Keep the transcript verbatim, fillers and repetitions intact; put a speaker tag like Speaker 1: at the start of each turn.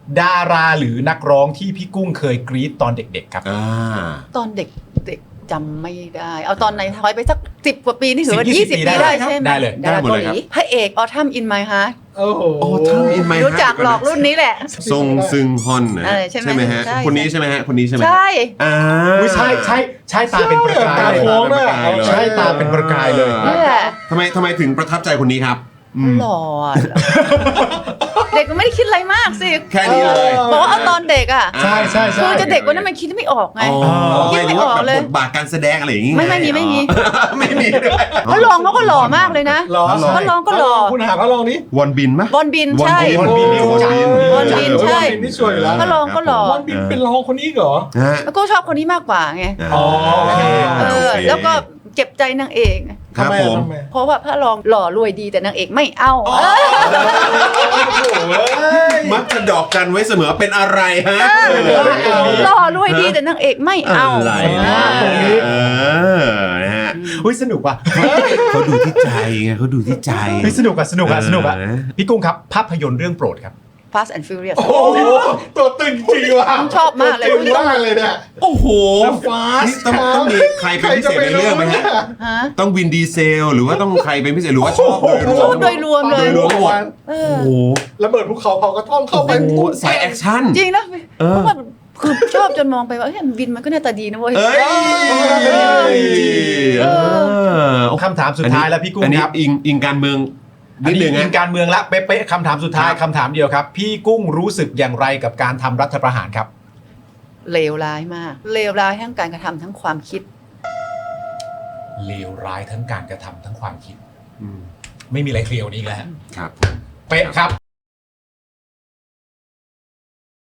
Speaker 1: ดาราหรือนักร้องที่พี่กุ้งเคยกรี๊ดตอนเด็กๆครับ
Speaker 2: อ่า
Speaker 3: ตอนเด็กเด็กจำไม่ได้เอาตอนไหนถอยไปสักสิบกว่าปีนี่ถือว่า
Speaker 1: สิบ
Speaker 3: ยี่สิบ
Speaker 1: ปี
Speaker 3: ปี
Speaker 1: ได้
Speaker 3: ได้
Speaker 1: ครับ
Speaker 3: ใช่ไหม
Speaker 1: ได้เลย
Speaker 3: ดาราเกาหลีพระเอกออทัมอินไมฮาร์ท
Speaker 4: โอ้โห
Speaker 2: โอ้ท่านอินไม
Speaker 3: รู้จักหลอกรุ่นนี้แหละ
Speaker 2: ทรงซึงฮอนนะ
Speaker 3: เออใช่ไหม
Speaker 2: ไหมฮะ
Speaker 3: ใช่
Speaker 2: คนนี้ใช่ไหมฮะคนนี้ใช่ไหม
Speaker 3: ใช่
Speaker 2: อ่า
Speaker 1: อุ๊ยใช่ใช่ใช่ตาเป็นประกาย
Speaker 4: ตา
Speaker 1: เลย
Speaker 4: โค้งเลย
Speaker 1: ใช่ตาเป็นประกายเลย
Speaker 3: นี่แหละ
Speaker 2: ทำไมทำไมถึงประทับใจคนนี้ครับอืม
Speaker 3: หล่ออะเด็กมันไม่ได้คิดอะไรมากสิ
Speaker 2: แค่นี้เลย
Speaker 3: บอกว่าเอาตอนเด็กอ่ะ
Speaker 1: ใช่ใช่ใช่
Speaker 3: คือจะเด็กกว่านั้นมันคิดไม่ออกไง
Speaker 2: อ๋อ
Speaker 3: คิด
Speaker 2: ไม่
Speaker 3: ไม่
Speaker 2: รู้
Speaker 3: อ
Speaker 2: ว่า
Speaker 3: อก
Speaker 2: แบบ
Speaker 3: เลย
Speaker 2: บทบาทการแสดงอะไรอย่างงี้
Speaker 3: ไม่ไม่มีไม่มี
Speaker 2: ไม่มีด้วย
Speaker 3: พระรองเขาก็หล่อมากเลยนะ
Speaker 4: หรอ
Speaker 3: พระรองก็หล่อ
Speaker 4: คุณหาพระรองนี่
Speaker 2: วอนบินปะ
Speaker 3: บอลบินใช่
Speaker 2: วอนบิน
Speaker 1: วอนบิน
Speaker 3: วอนบินใช่
Speaker 4: วอนบินนี่สวยอยู่แล้ว
Speaker 3: พระรองก็หล่อ
Speaker 4: วอนบินเป็นรองคนนี้เหรอ
Speaker 2: ฮะ
Speaker 3: แล้วก็ชอบคนนี้มากกว่าไง
Speaker 1: อ๋อโอเค
Speaker 3: เออ
Speaker 2: โอเค
Speaker 3: แล้วก็เจ็บใจนางเอก
Speaker 2: ครับ
Speaker 4: ทำไม
Speaker 2: ผม
Speaker 4: ทำไม
Speaker 3: เพราะว่าพระรองหล่อรวยดีแต่นางเอกไม่เอา
Speaker 2: มักจะดอกจันไว้เสมอเป็นอะไรฮะ
Speaker 3: หล่อรวยดีแต่นางเอกไม่เอา
Speaker 2: อะไร
Speaker 3: อ่า
Speaker 2: เออนะฮะ
Speaker 1: อุ้ยสนุกว่ะ
Speaker 2: เขาดูที่ใจไงเขาดูที่ใจ
Speaker 1: เฮ้ยสนุกอ่ะสนุกอ่ะสนุกอ่ะ
Speaker 2: เออ
Speaker 1: พี่กุ้งครับภาพยนตร์เรื่องโปรดครับ
Speaker 3: Fast and Furious
Speaker 4: โอ้โหตัวตึงจริงว่ะ
Speaker 3: ชอบมากเลย
Speaker 4: ตัวตึงมากเลยเนี่ย
Speaker 2: โอ้โห
Speaker 4: Fast
Speaker 2: นี่ต้องต้องมีใครเป็นพิเศษในเรื่องไหมฮะ
Speaker 3: ฮะ
Speaker 2: ต้องวินดีเซล หรือว่าต้องใครเป็นพิเศษหรือว่าชอบโดยรว
Speaker 3: ชอ
Speaker 2: ม
Speaker 3: บโดยรวมเลย
Speaker 2: โดยรวมหมด
Speaker 3: เอ
Speaker 2: โอ้
Speaker 3: อ
Speaker 2: โห
Speaker 4: ระเบิดภูเขาเผากระท่อมเข้าไป
Speaker 2: โอ้โหสายแอคชั่น
Speaker 3: จริงนะ
Speaker 2: เออ
Speaker 3: เพราะว่าคือชอบจนมองไปว่าเฮ้ยวินมันก็หน้าตาดีนะเว้ย
Speaker 2: เอ้ยเออ
Speaker 1: คำถามสุดท้ายแล้วพี่กุ้ง
Speaker 2: อันนี้
Speaker 1: ครับ
Speaker 2: อิงอิงการเมือง
Speaker 1: อัน
Speaker 2: นิด
Speaker 1: นี้
Speaker 2: นึง
Speaker 1: อิ
Speaker 2: นะ
Speaker 1: งการเมืองละเป๊ะๆคำถามสุดท้าย
Speaker 2: ครับ
Speaker 1: คำถามเดียวครับ พี่กุ้งรู้สึกอย่างไรกับการทำรัฐประหารครับ
Speaker 3: เลวร้ายมาก เลวร้ายทั้งการกระทำทั้งความคิด
Speaker 1: เลวร้ายทั้งการกระทำทั้งความคิด
Speaker 2: อืม
Speaker 1: ไม่มีอะไรเคลียร์กว่านี้อีกแล้วฮะ
Speaker 2: ครับ
Speaker 1: เป๊ะครับ